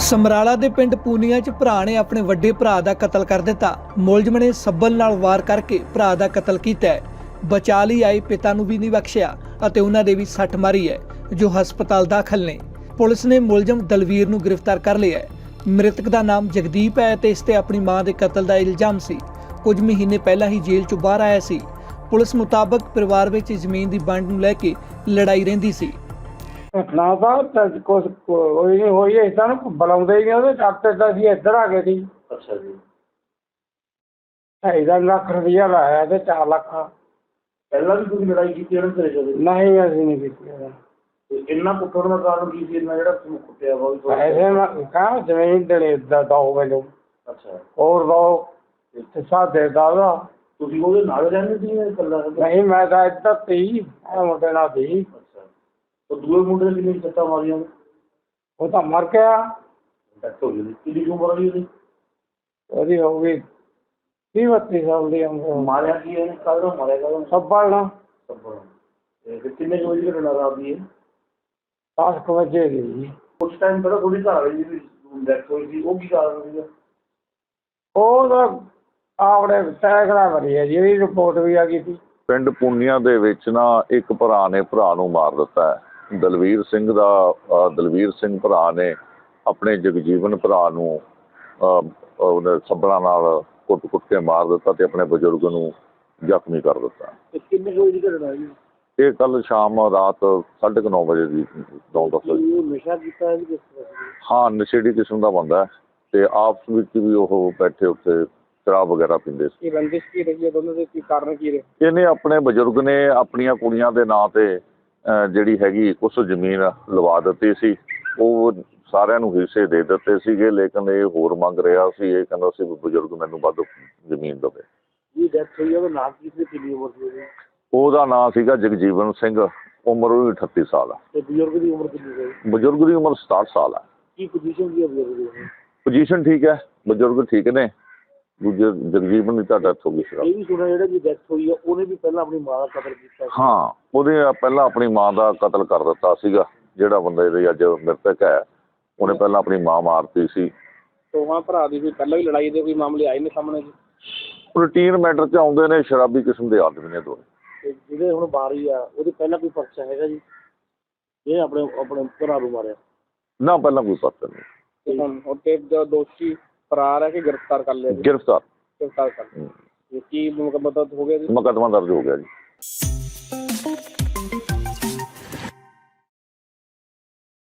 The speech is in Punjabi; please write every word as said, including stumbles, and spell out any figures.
ਸਮਰਾਲਾ ਦੇ ਪਿੰਡ ਪੂਨੀਆ 'ਚ ਭਰਾ ਨੇ ਆਪਣੇ ਵੱਡੇ ਭਰਾ ਦਾ ਕਤਲ ਕਰ ਦਿੱਤਾ। ਮੁਲਜ਼ਮ ਨੇ ਸੱਬਲ ਨਾਲ ਵਾਰ ਕਰਕੇ ਭਰਾ ਦਾ ਕਤਲ ਕੀਤਾ ਹੈ। ਬਚਾ ਲਈ ਆਏ ਪਿਤਾ ਨੂੰ ਵੀ ਨਹੀਂ ਬਖਸ਼ਿਆ ਅਤੇ ਉਹਨਾਂ ਦੇ ਵੀ ਸੱਟ ਮਾਰੀ ਹੈ, ਜੋ ਹਸਪਤਾਲ ਦਾਖਲ ਨੇ। ਪੁਲਿਸ ਨੇ ਮੁਲਜ਼ਮ ਦਲਵੀਰ ਨੂੰ ਗ੍ਰਿਫਤਾਰ ਕਰ ਲਿਆ ਹੈ। ਮ੍ਰਿਤਕ ਦਾ ਨਾਮ ਜਗਦੀਪ ਹੈ ਤੇ ਇਸ ਤੇ ਆਪਣੀ ਮਾਂ ਦੇ ਕਤਲ ਦਾ ਇਲਜ਼ਾਮ ਸੀ। ਕੁਝ ਮਹੀਨੇ ਪਹਿਲਾਂ ਹੀ ਜੇਲ੍ਹ 'ਚੋਂ ਬਾਹਰ ਆਇਆ ਸੀ। ਪੁਲਿਸ ਮੁਤਾਬਕ ਪਰਿਵਾਰ ਵਿੱਚ ਜ਼ਮੀਨ ਦੀ ਵੰਡ ਨੂੰ ਲੈ ਕੇ ਲੜਾਈ ਰਹਿੰਦੀ ਸੀ। घटना था कुछ कोई नहीं हुई है, इतना बुलाते ही नहीं डॉक्टर तो अभी इधर आ गए थे। अच्छा जी। ढाई तीन लाख रुपया लाया तो चार लाख पहला भी कोई लड़ाई की थी तेरे चले नहीं अभी नहीं की। इन्ना कुटण का कारण की थी इन्ना जेड़ा तुम कुटिया वा भी ऐसे कहा जमीन देने दो मैनू अच्छा और दो हिस्सा दे दादा ਤੁਸੀਂ ਉਹਦੇ ਨਾਲ ਰਹਿੰਦੇ ਸੀ ਜਾਂ ਇਕੱਲਾ ਰਹਿੰਦੇ? नहीं मैं तो इधर थी मुंडे नाल थी। ਅੱਛਾ ਉਹ ਦੂਏ ਮੁੰਡੇ ਨੇ ਕਿੰਨੀ ਸੱਟਾਂ ਮਾਰੀਆਂ? वो तो मर गया। ਡੈਥ ਹੋ ਗਈ। ਕਿੰਨੀ ਕੁ ਉਮਰ ਸੀ ਉਹਦੀ? ਉਹਦੀ ਹੋ ਗਈ तीस बत्तीस साल ਦੀ ਉਮਰ। ਮਾਰਿਆ ਕੀ ਇਹਨੇ? ਕਾਹਦਾ ਮਾਰਿਆ? ਕਾਹਦਾ ਸੱਬਲ ਨਾਲ ਸੱਬਲ। ਤੇ ਕਿੰਨੇ ਕੁ ਵਜੇ ਘਟਨਾ ਰਾਤ ਦੀ ਹੈ? ਦਸ ਕੁ ਵਜੇ ਦੀ ਜੀ। ਉਸ ਟਾਈਮ ਪਹਿਲਾਂ ਥੋੜੀ ਘਰ ਵਾਲੀ ਦੀ ਡੈਥ ਹੋਈ ਸੀ, ਉਹ ਕੀ ਕਾਰਨ ਸੀਗਾ? ਉਹ ਤਾਂ ਆਪਣੇ ਸੈਕੜਾ ਭਰੀ ਹੈ ਜੀ, ਇਹਦੀ ਰਿਪੋਰਟ ਵੀ ਆ ਗਈ ਸੀ। ਪਿੰਡ ਪੂਨੀਆ ਦੇ ਵਿੱਚ ਨਾ ਇੱਕ ਭਰਾ ਨੇ ਭਰਾ ਨੂੰ ਮਾਰ ਦਿੱਤਾ ਹੈ। ਦਲਵੀਰ ਸਿੰਘ ਦਾ ਅਹ ਦਲਵੀਰ ਸਿੰਘ ਭਰਾ ਨੇ ਆਪਣੇ ਜਗਜੀਵਨ ਭਰਾ ਨੂੰ ਅਹ ਉਹਨੇ ਸੱਬਲਾਂ ਨਾਲ ਕੁੱਟ ਕੁੱਟ ਕੇ ਮਾਰ ਦਿੱਤਾ ਤੇ ਆਪਣੇ ਬਜ਼ੁਰਗ ਨੂੰ ਜ਼ਖਮੀ ਕਰ ਦਿੱਤਾ। ਕਿੰਨੇ ਕੁ ਵਜੇ ਦੀ ਘਟਨਾ ਜੀ? ਇਹ ਕੱਲ ਸ਼ਾਮ ਰਾਤ ਸਾਢੇ ਕੁ ਨੌ ਵਜੇ ਦੀ ਨੌ ਦਸ ਵਜੇ। ਉਹ ਨਸ਼ਾ ਕੀਤਾ ਹੈ ਜੀ ਕਿਸ ਤਰ੍ਹਾਂ? ਹਾਂ, ਨਸ਼ੇੜੀ ਕਿਸਮ ਦਾ ਬੰਦਾ ਹੈ ਤੇ ਆਪਸ ਵਿੱਚ ਵੀ ਉਹ ਬੈਠੇ ਉੱਥੇ ਸ਼ਰਾਬ ਵਗੈਰਾ ਪੀਂਦੇ ਸੀ। ਇਹ ਬੰਦਿਸ਼ ਕੀ ਰਹੀ ਹੈ ਦੋਨੋਂ ਦੇ, ਕੀ ਕਾਰਨ ਕੀ ਰਹੇ? ਇਹਨੇ ਆਪਣੇ ਬਜ਼ੁਰਗ ਨੇ ਆਪਣੀਆਂ ਕੁੜੀਆਂ ਦੇ ਨਾਂ ਤੇ ਅਹ ਜਿਹੜੀ ਹੈਗੀ ਕੁਛ ਜ਼ਮੀਨ ਲਵਾ ਦਿੱਤੀ ਸੀ। ਉਹ ਸਾਰਿਆਂ ਨੂੰ ਹਿੱਸੇ ਦੇ ਦਿੱਤੇ ਸੀਗੇ, ਲੇਕਿਨ ਇਹ ਹੋਰ ਮੰਗ ਰਿਹਾ ਸੀ। ਇਹ ਕਹਿੰਦਾ ਸੀ ਵੀ ਬਜ਼ੁਰਗ ਮੈਨੂੰ ਵੱਧ ਜ਼ਮੀਨ ਦੇਵੇ। ਜੀ ਡੈਥ ਹੋਈ ਉਹਦਾ ਨਾਮ ਕੀ ਸੀ? ਕਿੰਨੀ ਉਮਰ ਸੀ ਉਹਦੀ? ਉਹਦਾ ਨਾਂ ਸੀਗਾ ਜਗਜੀਵਨ ਸਿੰਘ, ਉਮਰ ਉਹਦੀ ਅਠੱਤੀ ਸਾਲ ਆ। ਤੇ ਬਜ਼ੁਰਗ ਦੀ ਉਮਰ ਕਿੰਨੀ ਸੀ? ਬਜ਼ੁਰਗ ਦੀ ਉਮਰ ਸਤਾਹਠ ਸਾਲ ਆ। ਕੀ ਪੋਜੀਸ਼ਨ ਦੀ ਹੈ ਬਜ਼ੁਰਗ ਦੀ? ਪੋਜੀਸ਼ਨ ਠੀਕ ਹੈ, ਬਜ਼ੁਰਗ ਠੀਕ ਨੇ। ਦੂਜੇ ਜਗਜੀਵਨ ਦੀ ਤਾਂ ਡੈਥ ਹੋ ਗਈ ਸੀ। ਇਹ ਵੀ ਸੁਣਿਆ ਜਿਹੜਾ ਜੀ ਡੈਥ ਹੋਈ ਹੈ ਉਹਨੇ ਵੀ ਪਹਿਲਾਂ ਆਪਣੀ ਮਾਂ ਦਾ ਕਤਲ ਕੀਤਾ ਸੀ। ਹਾਂ, ਉਹਦੇ ਪਹਿਲਾਂ ਆਪਣੀ ਮਾਂ ਦਾ ਕਤਲ ਕਰ ਦਿੱਤਾ ਸੀਗਾ। ਜਿਹੜਾ ਬੰਦਾ ਇਹਦੇ ਅੱਜ ਮ੍ਰਿਤਕ ਹੈ, ਉਹਨੇ ਪਹਿਲਾਂ ਆਪਣੀ ਮਾਂ ਮਾਰਤੀ ਸੀ। ਦੋਵਾਂ ਭਰਾ ਦੀ ਕੋਈ ਪਹਿਲਾਂ ਵੀ ਲੜਾਈ ਦੇ ਕੋਈ ਮਾਮਲੇ ਆਏ ਨੇ ਸਾਹਮਣੇ ਜੀ? ਰੂਟੀਨ ਮੈਟਰ 'ਚ ਆਉਂਦੇ ਨੇ, ਸ਼ਰਾਬੀ ਕਿਸਮ ਦੇ ਆਦਮੀ ਨੇ ਦੋਵੇਂ। ਤੇ ਜਿਹੜੇ ਹੁਣ ਬਾਰੀ ਆ ਉਹਦੇ ਪਹਿਲਾਂ ਕੋਈ ਪਰਚਾ ਹੈਗਾ ਜੀ? ਇਹ ਆਪਣੇ ਆਪਣੇ ਭਰਾ ਨੂੰ ਮਾਰਿਆ? ਨਾ, ਪਹਿਲਾਂ ਕੋਈ ਪਤਾ ਨਹੀਂ। ਤੇ ਹੁਣ ਉੱਤੇ ਦੋਸ਼ੀ ਫਰਾਰ ਹੈ ਕਿ ਗ੍ਰਿਫਤਾਰ ਕਰ ਲਿਆ ਜੀ? ਗ੍ਰਿਫਤਾਰ ਗ੍ਰਿਫਤਾਰ ਕਰ ਲਿਆ। ਕੀ ਮੁਕੱਦਮਾ ਹੋ ਗਿਆ ਜੀ? ਮੁਕੱਦਮਾ ਦਰਜ ਹੋ ਗਿਆ ਜੀ।